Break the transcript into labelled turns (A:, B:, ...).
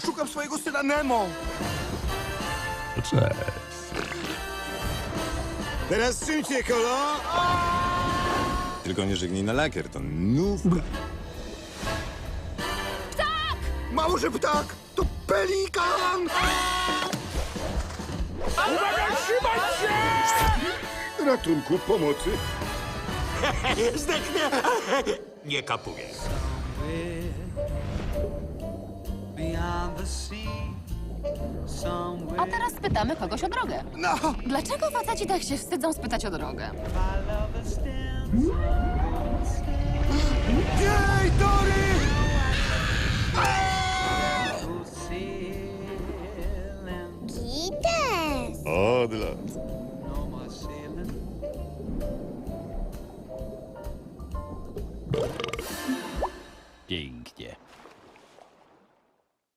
A: Szukam swojego syna Nemo.
B: Cześć.
C: Teraz czym cię, kolo? Tylko nie żegnij na lakier, to nówka.
A: Mało, że ptak! To pelikan! Uwaga, trzymaj się! Ratunku, pomocy.
D: Zdechnę! Nie kapuję.
E: Beyond the sea, somewhere
F: A teraz pytamy kogoś o drogę.
A: No,
F: Dlaczego faceci tak się wstydzą spytać o drogę?
E: my love stands.
A: jej, Dory!